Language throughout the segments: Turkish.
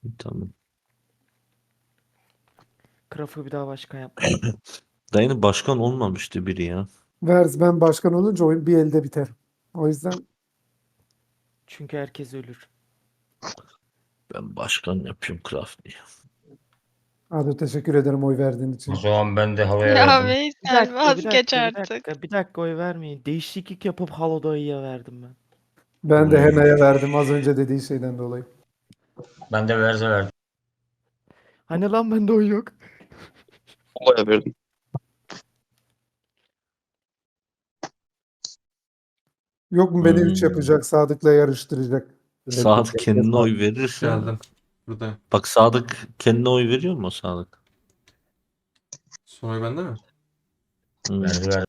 Tamam. Krafı bir daha başkan yapmayın. Dayının başkan olmamıştı biri ya. Verz ben başkan olunca oyun bir elde biter. O yüzden Çünkü herkes ölür. Ben başkan yapıyorum Crafty'yi. abi teşekkür ederim oy verdiğin O için. zaman ben de havaya Ya verdim. Bir Veysel dakika, bir vazgeç dakika, bir artık. dakika. Bir dakika oy vermeyin. Değişiklik yapıp Halo dayıya verdim ben. Ben de Hmm. Hena'ya verdim az önce dediği şeyden dolayı. Ben de Verze verdim. Hani lan bende oy yok. Olaya verdim. Yok mu beni 3 Hmm. yapacak, Sadık'la yarıştıracak. Sadık kendine oy verirse. Geldim. Buradayım. Bak Sadık kendine oy veriyor mu Sadık? Sonuç bende mi? Verze verdim.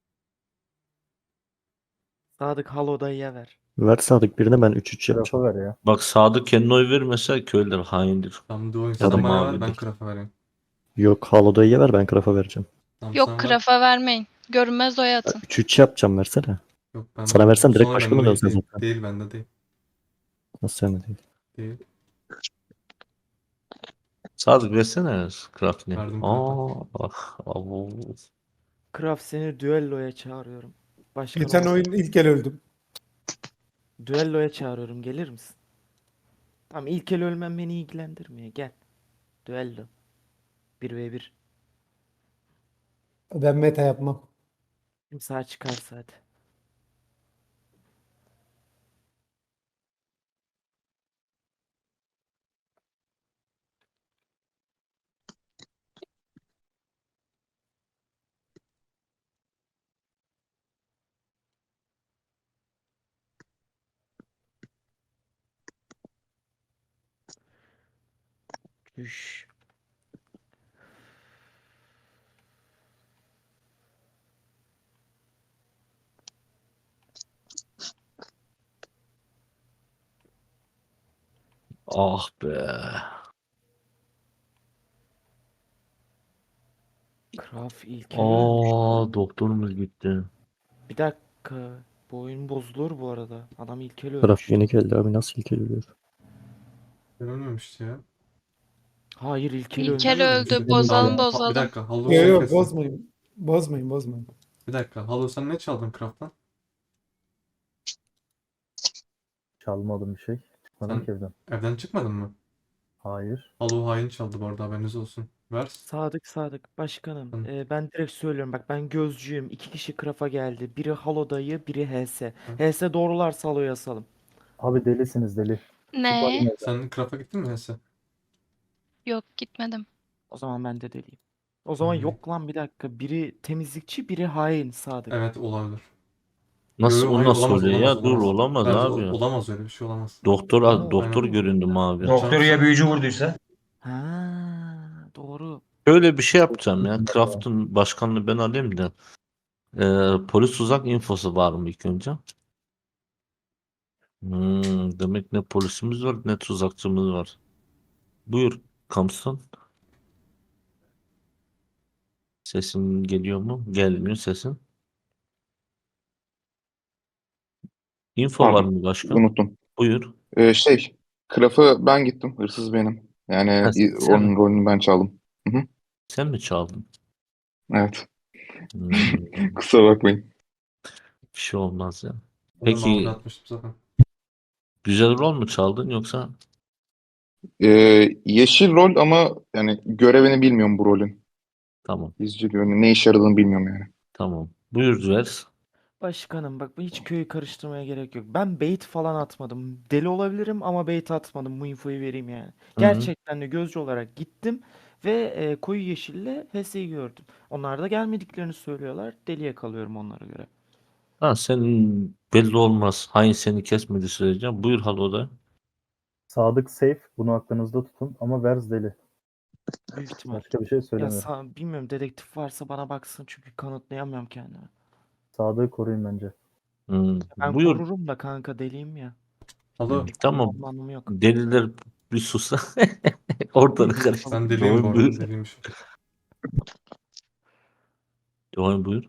Sadık Halo dayıya ver. Ver Sadık birine ben 3-3 yapacağım. Ver ya. Bak Sadık kendine oy vermese köylüler haindir. Tamam Doğu Ya da sen bana ver ben mavidir. Kraft'a vereyim. Yok Halo'dayı ver ben Kraft'a vereceğim. Tamam Yok sen ver. krafa vermeyin. Görünmez oy atın. 3-3 yapacağım versene. Yok ben Sana versem direkt Sonra başkanı bende dönsen değil. zaten. Değil bende değil. Nasıl sen de değil. Değil. Sadık versene Crafty'ni. Verdim Kraft'a. Ah, abo. Kraft seni düelloya çağırıyorum. Başkan Geçen ol. oyun ilk el öldüm. Düelloya çağırıyorum. Gelir misin? Tamam ilk el ölmem beni ilgilendirmiyor. Gel. Düello. 1v1. Ben meta yapmam. Kim sağ çıkarsa hadi. Üş. Ah be. Kraft ilk el ölmüş. Doktorumuz gitti. Bir dakika. Bu oyun bozulur bu arada. Adam ilk el Kraft ölmüş. yeni geldi abi nasıl ilk ölüyor? Ben ölmemişti ya. Hayır ilk el İlkel ölmüş. öldü. Bozalım Bir bozalım. dakika Halo Yok sen yok kestin. bozmayın. Bozmayın bozmayın. Bir dakika Halo sen ne çaldın Kraft'tan? Çalmadım bir şey. Çıkmadım Sen- ki evden. Evden çıkmadın mı? Hayır. Halo hain çaldı bu arada haberiniz olsun. Ver. Sadık başkanım. Hı. Ben direkt söylüyorum bak ben gözcüyüm. İki kişi Kraft'a geldi. Biri Halo dayı, biri HS. Hı. HS doğrularsa Halo'ya asalım. Abi delisiniz deli. Ne? Çıkmadım evden. Sen Kraft'a gittin mi Hesse? Yok gitmedim. O zaman ben de deliyim. O zaman Hmm. yok lan bir dakika. Biri temizlikçi, biri hain Sadık. Evet olabilir. Nasıl o hayır, nasıl olamaz, oluyor olamaz, ya? Dur olamaz. olamaz Bence abi. olamaz öyle bir şey olamaz. Doktor Ama doktor oldu. göründü mavi. Doktor ya büyücü vurduysa. Ha, doğru. Şöyle bir şey yapacağım ya. Craft'ın başkanlığı ben alayım da. Polis uzak infosu var mı ilk önce? Demek ne polisimiz var ne tuzakçımız var. Buyur Kamson. Sesin geliyor mu? Gelmiyor sesin. Info var Pardon, mı başkan? unuttum. Buyur. Kraf'ı ben gittim. Hırsız benim. Yani Ha, sen mi? onun rolünü ben çaldım. Hı hı. Sen mi çaldın? Evet. Hmm, Kusura bakmayın. bir şey olmaz ya. Ben de mavi Peki atmıştım zaten. güzel rol mu çaldın yoksa? Yeşil rol ama yani görevini bilmiyorum bu rolün. Tamam. İzci görevini ne işe yaradığını bilmiyorum yani. Tamam. Buyur Duvers. Başkanım bak hiç köyü karıştırmaya gerek yok. Ben bait falan atmadım. Deli olabilirim ama bait atmadım. Bu infoyu vereyim yani. Hı. Gerçekten de gözcü olarak gittim ve koyu yeşille HS'yi gördüm. Onlar da gelmediklerini söylüyorlar. Deliye kalıyorum onlara göre. Ha, senin belli olmaz. Hain seni kesmedi sürece. Buyur Halo'da. Sadık safe. Bunu aklınızda tutun. Ama Verz deli. Büyük ihtimal. Başka bir şey Ya söylemiyorum. bilmiyorum dedektif varsa bana baksın çünkü kanıtlayamıyorum kendimi. Sadık'ı koruyun bence. Ben Buyur. korurum da kanka deliyim ya. Halo Tamam. Korumamın anlamı yok. Deliler bir susa. Ortalık karıştı. ben deliyim bu Doğru arada. buyur. Deliymiş. Doğru buyur.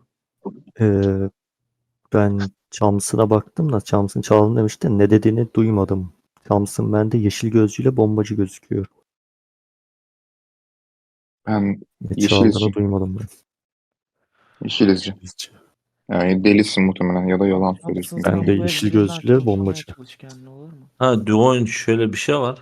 Ben Chams'ına baktım da Chams'ın çalın demişti. Ne dediğini duymadım. Thompson bende yeşil gözcüyle bombacı gözüküyor. Ben Ne Yeşil çaldığını izci. duymadım ben. yeşil izci. Yani delisin muhtemelen ya da yalan söylüyorsun. Thompson, Ben sen de bu yeşil evlerinden gözlüyle kurtulmaya bombacı. çalış kendine, olur mu? Ha Duoin şöyle bir şey var.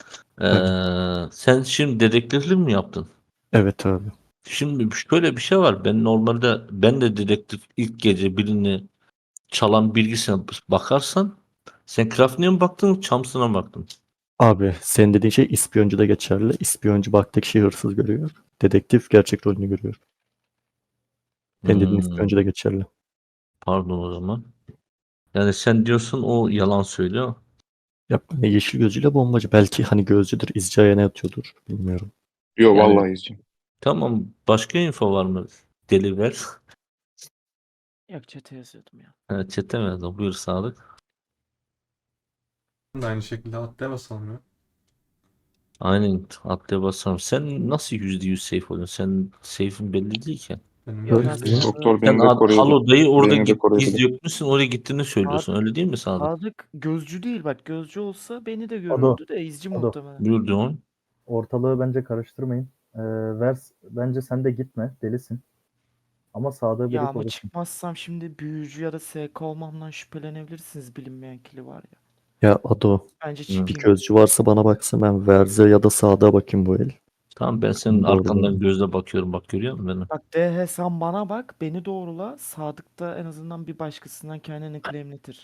Sen şimdi dedektiflik mi yaptın? Evet abi. Şimdi şöyle bir şey var. Ben de dedektif ilk gece birini çalan bilgisine bakarsan sen Krafni'ye mi baktın, Thompson'a mı baktın? Abi senin dediğin şey ispiyoncu da geçerli. İspiyoncu baktığı kişiyi hırsız görüyor. Dedektif gerçek rolünü görüyor. Senin dediğin ispiyoncu da geçerli. Pardon o zaman. Yani sen diyorsun o yalan söylüyor. Ya ben de yeşil gözcüyle bombacı. Belki hani gözcüdür, izci ayağına yatıyordur. Bilmiyorum. Yok Yani- vallahi izci. Tamam. Başka info var mı? Deli ver. Yok, chat'e yazıyordum ya. Evet, çete mi yazdın? Buyur Sadık. Ben de aynı şekilde atlaya basalım ya. Aynen, atlaya basarım. Sen nasıl %100 safe oluyorsun? Sen safe'in belli değil ki. Benim Ya Öyle ben değil. Doktor Sen beni de koruyabilir. Halo'dayı orada Beni de koruyabilir. iz yokmuşsun, oraya gittiğini söylüyorsun. Öyle değil mi Sadık? Sadık gözcü değil, bak gözcü olsa beni de Ado, görürdü de izci Ado. muhtemelen. Buyur Duoin. Ortalığı bence karıştırmayın. Vers bence sen de gitme. Delisin. Ama Sadık'ı Ya biri ama korusun. çıkmazsam şimdi büyücü ya da SK olmamdan şüphelenebilirsiniz, bilinmeyen kili var ya. Ya Ado, Bence bir çıkayım. gözcü varsa bana baksın, ben Verze ya da Sadık'a bakayım bu el. Tamam, ben senin Doğru, arkandan doğru. gözle bakıyorum. Bak, görüyor musun beni? Bak DH, sen bana bak, beni doğrula. Sadık da en azından bir başkasından kendini claimletir.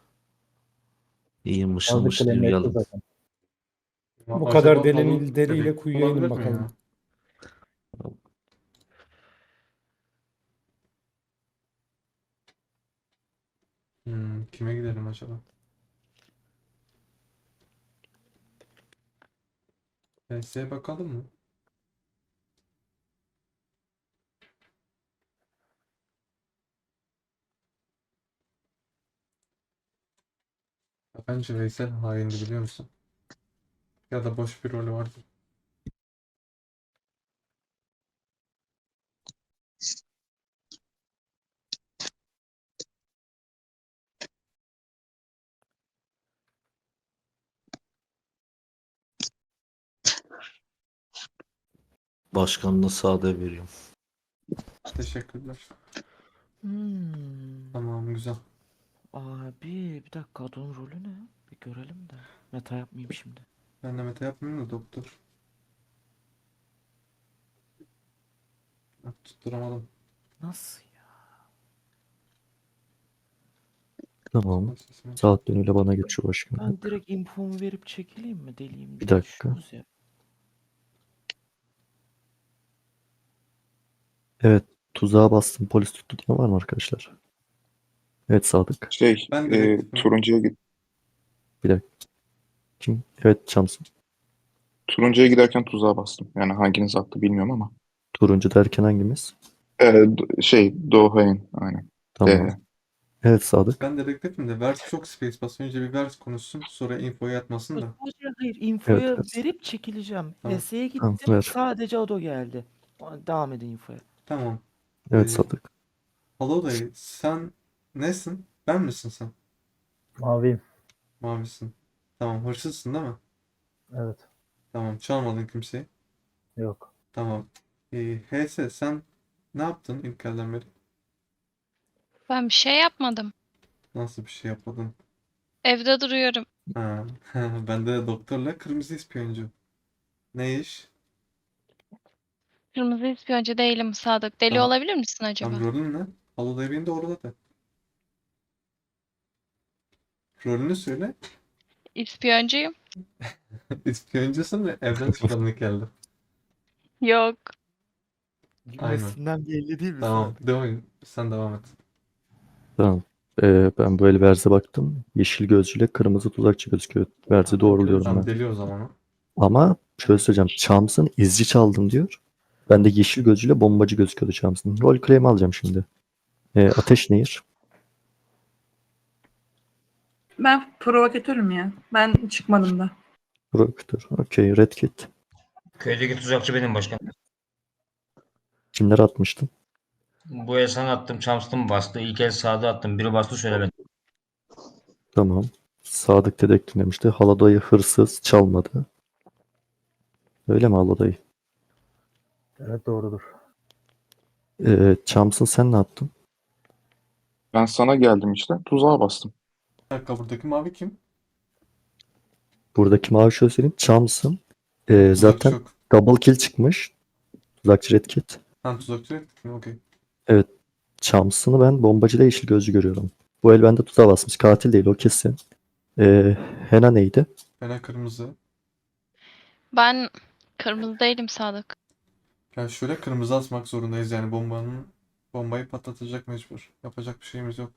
İyi mışıl Sadık mışıl claimletti uyuyalım. zaten. Bu Acaba kadar Halo deliyle dedektif kuyuya inin olabilir mi bakalım. ya? Kime gidelim acaba? PS'ye bakalım mı? Ya bence Veysel haindi, biliyor musun? Ya da boş bir rolü vardı. Başkanını Sadık'a veriyorum. Teşekkürler. Hmm. Tamam, güzel. Abi bir dakika, adamın rolü ne? Bir görelim de. Meta yapmayayım şimdi. Ben de meta yapmayayım da doktor. Bak, tutturamadım. Nasıl ya? Tamam. Bak sesime. Saat yönüyle bana geçiyor başkanım. Ben direkt infomu verip çekileyim mi? Deliyim Bir diye dakika. düşünüyoruz ya. Evet. Tuzağa bastım. Polis tuttu diye var mı arkadaşlar? Evet Sadık. Ben dedektifim. Bir dakika. Kim? Evet Thompson. Turuncuya giderken tuzağa bastım. Yani hanginiz attı bilmiyorum ama. Turuncu derken hangimiz? Doğayan aynen. Tamam. Evet Sadık. Ben dedektifim de Vers çok space basıyor. Önce bir Vers konuşsun. Sonra infoyu atmasın da. Hayır, infoya Evet. verip çekileceğim. Tamam. HS'ye Tamam, gittim, ver. sadece Ado geldi. Devam edin infoya. Tamam. Evet Ee, Sadık. Halo dayı, sen nesin? Ben misin sen? Maviyim. Mavisin. Tamam, hırsızsın değil mi? Evet. Tamam, çalmadın kimseyi. Yok. Tamam. HS, sen ne yaptın ilk elden beri? Ben bir şey yapmadım. Nasıl bir şey yapmadın? Evde duruyorum. Ha. Ben de doktorla kırmızı ispiyoncu. Ne iş? Kırmızı ispiyoncu değilim Sadık. Deli Tamam. olabilir misin acaba? Tam rolün ne? Halo dayı beni doğruladı. Rolünü söyle. İspiyoncuyum. İspiyoncusun ve evden çıkalım ilk elde. Yok. Aynen. Gülmesinden belli değil mi Tamam, Sadık? devam. Sen devam et. Tamam. Ben bu el Verze baktım. Yeşil gözcüyle kırmızı tuzakçı gözüküyor. Verze Tamam, doğruluyorum Tamam, ben. deli o zaman o. Ama şöyle söyleyeceğim. Thompson izci çaldım diyor. Ben de yeşil gözcüyle bombacı gözüküyordu Thompson. Rol claim alacağım şimdi. Ateş Nehir. Ben provokatörüm ya. Ben çıkmadım da. Provokatör. Okey. Red Kit. Köydeki tuzakçı benim başkan. Kimler atmıştım? Bu el sana attım. Chams'tım bastı. İlk el sağda attım. Biri bastı söylemedim. Tamam. Sadık dedektif demişti. Haladayı hırsız çalmadı. Öyle mi Haladayı? Evet doğrudur. Chams'ın sen ne yaptın? Ben sana geldim işte. Tuzağa bastım. Bir dakika, buradaki mavi kim? Buradaki mavi şöyle söyleyeyim. Chams'ın Tuzakçı zaten yok. double kill çıkmış. Tuzakçı Red Kit. Ha, tuzakçı yok. Okey. Chams'ını ben bombacıyla yeşil gözcü görüyorum. Bu el bende tuzağa basmış. Katil değil o kesin. Hena neydi? Fena kırmızı. Ben kırmızı değilim Sadık. Yani şöyle kırmızı asmak zorundayız yani bombayı patlatacak mecbur. Yapacak bir şeyimiz yok.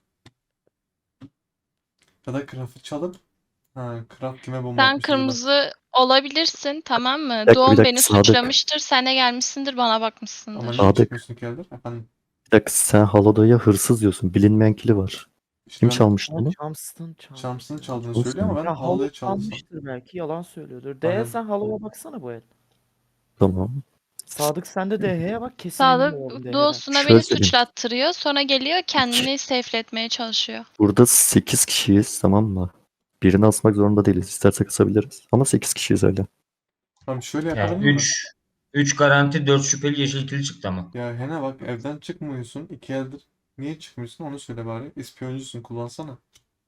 Ya da craft'ı çalıp craft kime bomba Sen atmış acaba? kırmızı olabilirsin, tamam mı? Bir Doğum dakika, beni Sadık. suçlamıştır. Sen de gelmişsindir, bana Ama bakmışsındır. niye Sadık. çıkmıyorsun ki Elder? Efendim, Bir dakika sen Haladayı'ya hırsız diyorsun. Bilinmeyen kili var. işte Kim ben çalmıştı Ama bunu? Chams'tan çaldı. Chams'ın çaldığını Olsun. söylüyor ama ben Ya Halo'yu Halo çaldıysam. çalmıştır belki, yalan söylüyordur. Aynen. Sen Halo'ya baksana bu el. Tamam. Sadık sen de DH'ye bak, kesin emin Sadık olalım DH'den. doğusuna Şöyle beni söyleyeyim. suçlattırıyor. Sonra geliyor kendini safe'letmeye çalışıyor. Burada 8 kişiyiz tamam mı? Birini asmak zorunda değiliz. İstersek asabiliriz. Ama 8 kişiyiz öyle. Tamam, şöyle Yani yapalım mı? 3 garanti 4 şüpheli yeşil kili çıktı ama. Ya Hena bak, evden çıkmıyorsun. 2 eldir. Niye çıkmıyorsun onu söyle bari. İspiyoncusun, kullansana.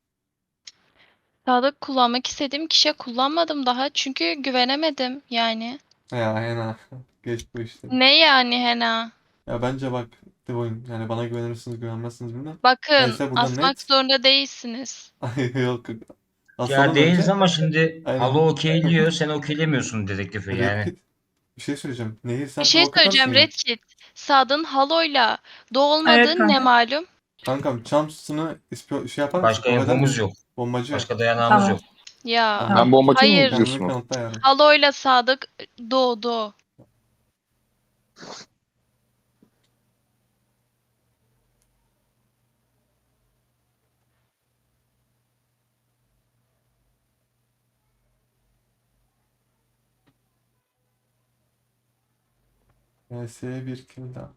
Sadık kullanmak istediğim kişiye kullanmadım daha. Çünkü güvenemedim yani. Ya Hena geç bu işleri. Ne yani Hena? Ya bence bak The Oyun. Yani bana güvenirsiniz güvenmezsiniz bilmem. Bakın Neyse burada asmak net. zorunda değilsiniz. Ay, yok. Ya Asalım değiliz önce. ama şimdi Aynen. Halo okeylliyor, sen okeylemiyorsun dedektifi Red yani. Kit. Bir şey söyleyeceğim. Nehir sen Bir şey provoke atarsın söyleyeceğim ya. Red Kit. Sadık'ın Halo'yla doğu Evet olmadığı ne kanka. malum? Kankam Chams'ını şey yapar mısın? Başka Provoke eder infomuz misin? yok. Bombacı. Başka dayanağımız Tamam. yok. Ya Tamam. Ben bombacıyım mı hayır. diyorsun? Kendini kanıtla yani. Halo'yla Sadık doğdu. VS'ye bir kill daha.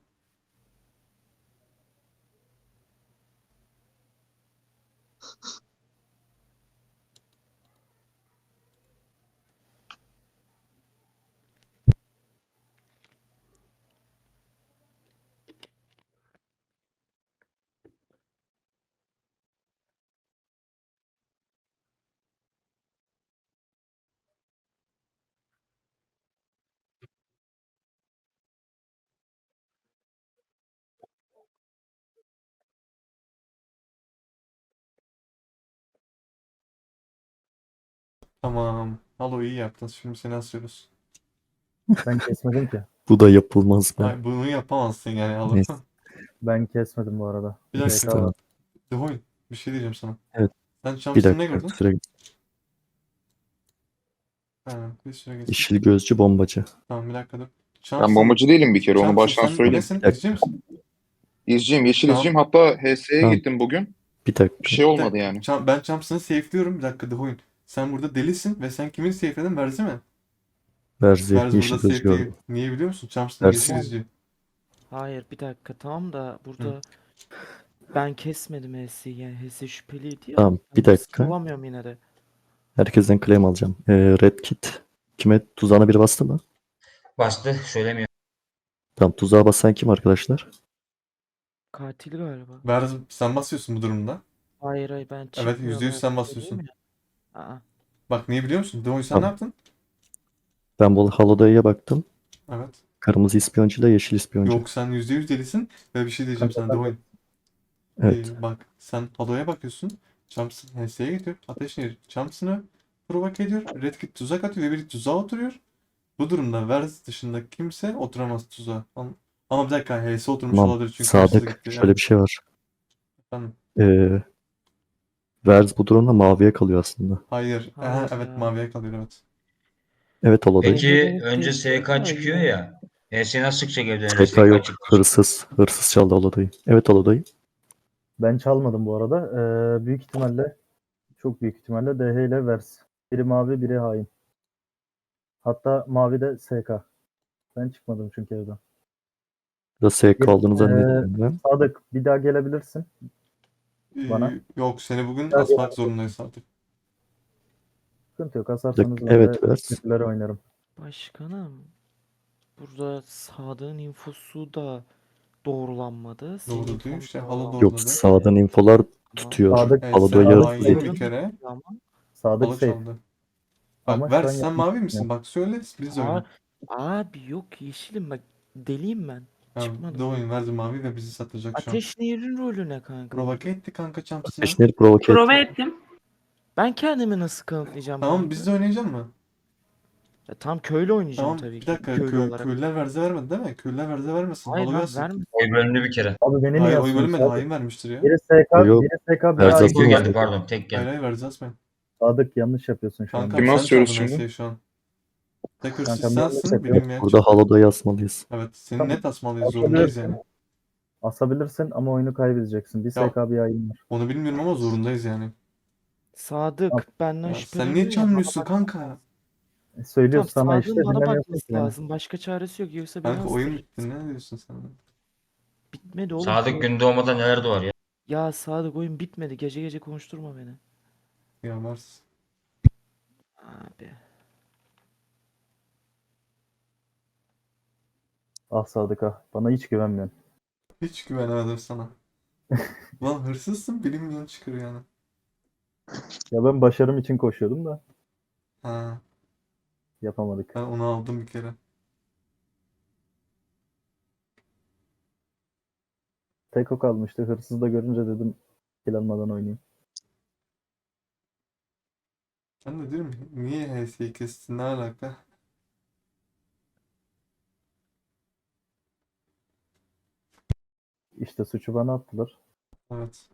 Tamam. Halo iyi yaptın. Şimdi seni asıyoruz. Ben kesmedim ki. Bu da yapılmaz be. Ay, bunu yapamazsın yani Halo. Neyse. Ben kesmedim bu arada. Bir dakika. SK var. The Oyun. Bir şey diyeceğim sana. Evet. Sen Bir Chams'ın ne dakika gördün? süre. Ha, bir süre geçti. Yeşil gözcü bombacı. Tamam, bir dakika dur. Ben bombacı değilim bir kere. Onu baştan sen söyleyeyim. nesin? Bir dakika. İzci misin? İzciyim, yeşil Tamam. izciyim. Hatta HS'ye Tamam. gittim bugün. Bir dakika. Bir şey Bir olmadı dakika. yani. Ben Chams'ını safe'liyorum. Bir dakika The Oyun. Sen burada delisin ve sen kimin safe'ledin? Verzi mi? Verzi Verzi yeşil burada gözcü safe değil. gördüm. Niye biliyor musun? Chams'ın Verzi. yeşil izci. Hayır bir dakika, tamam da burada ben kesmedim HS'yi, yani HS şüpheliydi ya. Tamam bir Ben hırsız dakika. bulamıyorum yine de. Herkesten claim alacağım. Red Kit. Kime tuzağına biri bastı mı? Bastı, söylemiyor. Tamam tuzağa basan kim arkadaşlar? Katil galiba. Verzi sen basıyorsun bu durumda. Hayır ben Evet, çıkmıyorum. %100 sen öyle basıyorsun. söyleyeyim ya. Aa, Bak niye biliyor musun? The Oyun sen Tamam. ne yaptın? Ben bu Haladayı'ya baktım. Evet. Kırmızı ispiyoncuyla yeşil ispiyoncu. Yok, sen %100 delisin ve bir şey diyeceğim sana The Oyun. Evet. Bak sen Halo'ya bakıyorsun. Chams'ın HS'ye gidiyor. Ateşini Chams'ını provoke ediyor. Red Kit tuzak atıyor ve biri tuzağa oturuyor. Bu durumda Verz dışında kimse oturamaz tuzağa. Ama bir dakika, HS oturmuş Tamam. olabilir çünkü hırsız Sadık. gitti. Şöyle bir şey var. Efendim. Verz bu durumda maviye kalıyor aslında. Hayır. Hayır Evet, ya. maviye kalıyor evet. Evet Haladayı. Peki Evet, önce evet, SK çıkıyor evet. ya. HS nasıl çıkacak evden önce SK yok. SK çıktı. Hırsız. Hırsız çaldı Haladayı. Evet Haladayı. Ben çalmadım bu arada. Büyük ihtimalle, çok büyük ihtimalle DH ile Vers. Biri mavi, biri hain. Hatta mavi de SK. Ben çıkmadım çünkü evden. Da SK aldığını zannediyorum ben. Sadık bir daha gelebilirsin. Bana. Yok, seni bugün Hadi. asmak zorundayız artık. Sıkıntı yok. Asarsanız ben Evet, de vers. kötüleri oynarım. Başkanım, burada Sadık'ın infosu da doğrulanmadı. Senin Doğru infon değil işte. da Halo doğrulanmadı. Yok, doğruladı. sağdan infolar tutuyor. Sadık- Evet, Halo'da sen yarısı hain bir safe. kere. Ama Sadık Halo safe. çaldı. Ama Bak şu ver an sen yanlış mavi misin? düşünüyorum. Bak söyle biz oyna. abi yok yeşilim bak, deliyim ben. Ya, Çıkmadım. de oyun verdi mavi ve bizi satacak şu an. Ateş Nehir'in rolü ne kanka? Provoke etti kanka Champs'ına. Ateşleri provoke Prova et. ettim. Ben kendimi nasıl kanıtlayacağım Tamam kanka? biz de oynayacak mı? Ya, tam köylü oynayacağım Tamam tabii bir ki. dakika Köylü olarak. köylüler verze vermedi değil mi? Köylüler verze vermesin. Hayır Halo lan versin. verme. Oy bölündü bir kere. Abi beni niye Hayır oy asıyorsun? bölünmedi. Sadık? Hain vermiştir ya. Biri SK, Yok. biri SK, biri Verze hain. Tek o asılmaz. geldi pardon. Tek Hayır geldi. hayır verze asmayın. Sadık yanlış yapıyorsun şu Kanka anda. Kimi sen asıyoruz çaldın şimdi? Hesse'yi şu an. Tek hırsız Kankam yanlış sensin. yapıyor. Bilinmeyen Burada Halo'da asmalıyız. Evet seni Tamam. net asmalıyız. Zorundayız yani. Asabilirsin ama oyunu kaybedeceksin. Bir Ya- SK, bir hain var. Onu bilmiyorum ama zorundayız yani. Sadık benden Ya sen şüpheleniyor niye ya, çalmıyorsun bana bak- kanka? Söylüyoruz Tamam, sana Sadık'ın işte bana dinlemiyorsun bakması ki beni. lazım. Başka çaresi yok. Yoksa beni Kanka oyun astırır. bitti. Ne diyorsun sen? Bitmedi oğlum. Sadık gün doğmadan neler doğar ya. Ya Sadık, oyun bitmedi. Gece gece konuşturma beni. Ya Mars. Abi. Ah Sadık ah. Bana hiç güvenmiyorsun. Hiç güvenemedim sana. Lan hırsızsın bilinmeyen çıkıyor yani. Ya ben başarım için koşuyordum da Ha, yapamadık. ben onu aldım bir kere. Tek o kalmıştı. Hırsız da görünce dedim kill almadan oynayayım. Ben de diyorum niye HS'yi kestin ne alaka? İşte suçu bana attılar. Evet.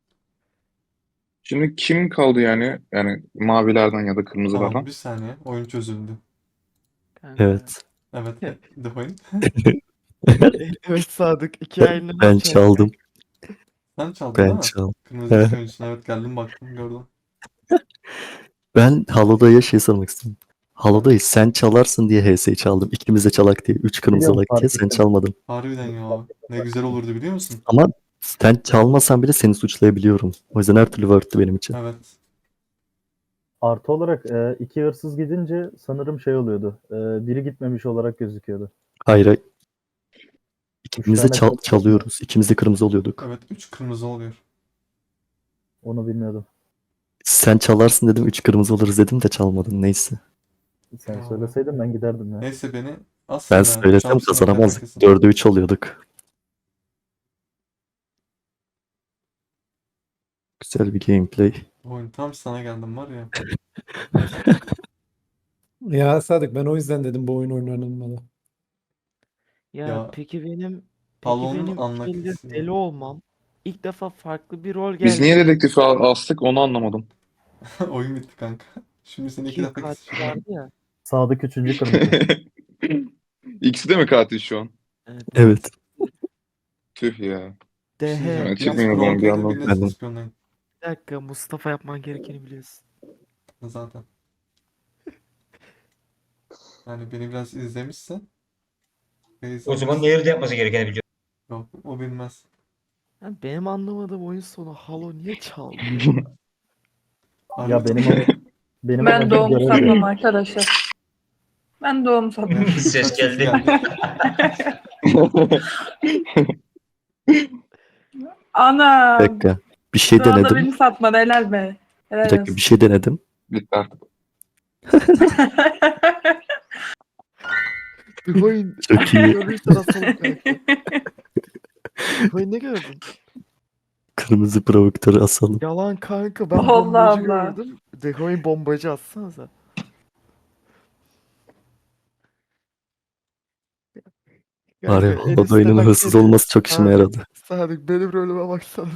Şimdi kim kaldı yani? Yani mavilerden ya da Tamam kırmızılardan. bir saniye oyun çözüldü. Kanka. Evet. Evet de oyun. Evet Sadık. İki ayında Ben çaldım. Sen çaldın değil Ben mi? çaldım. Kırmızı ışık oyuncusun evet geldim baktım gördüm. Ben Halo'da'ya şey sormak istiyorum. Halo'da'yı sen çalarsın diye HS'yi çaldım. İkimiz de çalak diye. 3 kırmızı Biliyorum, alak diye fark sen ettim. çalmadın. Harbiden ya. Ne güzel olurdu biliyor musun? Ama sen çalmasan bile seni suçlayabiliyorum. O yüzden her türlü worth'tü benim için. Evet. Artı olarak iki hırsız gidince sanırım şey oluyordu. Biri gitmemiş olarak gözüküyordu. Hayır, hayır. Üç İkimiz de tane çalıyoruz. İkimiz de kırmızı oluyorduk. Evet 3 kırmızı oluyor. Onu bilmiyordum. Sen çalarsın dedim, 3 kırmızı oluruz dedim de çalmadın. Neyse. Sen Ya. söyleseydin ben giderdim ya. Neyse beni Ben aslında söylesem kazanamazdık. 4'e 3 oluyorduk. Güzel bir gameplay. Oyun tam sana geldim var ya. Ya Sadık ben o yüzden dedim bu oyun oynanılmalı. Ya, Ya, peki benim Talon'un iki anlak eldir hissi ya. deli olmam. İlk defa farklı bir rol Biz geldi. niye dedektifi astık onu anlamadım. Oyun bitti kanka. Şimdi seni iki İki defa katil keseceğim. vardı ya. Sadık üçüncü kırmızı. İkisi de mi katil şu an? Evet. Evet. Tüh ya. Bir şey diyeceğim. DH. Evet, Biriniz çıkmıyor bana bir provoke edin, yandan. biriniz Ben- ispiyonlayın. Bir dakika, Mustafa yapman gerekeni biliyorsun. Zaten. Yani beni biraz izlemişsen. O zaman Nehir'de yapması gerekeni biliyor. Yok o bilmez. Yani benim anlamadığım oyun sonu Halo niye çaldı? Ya benim Ben amacım doğumu görev satmam yapmak. arkadaşlar. Ben doğumu satmam. Ses Uçak geldi. Ana. Bir dakika. Bir şey Şu anda denedim. beni satmadı, helal be. Helal Ee, Bir dakika, olsun. bir şey denedim. Bitti artık. Bir oyun Çok iyi. görürsen asalım kanka. Bir oyun ne gördün? Kırmızı provokatörü asalım. Yalan kanka, ben Allah bombacı Allah. gördüm. Decoy'un bombacı atsanıza. Var ya, Kanka, en Halo'da oyunun üstte bak, hırsız en- olması çok işime Sadık, yaradı. Sadık benim rolüme baksana.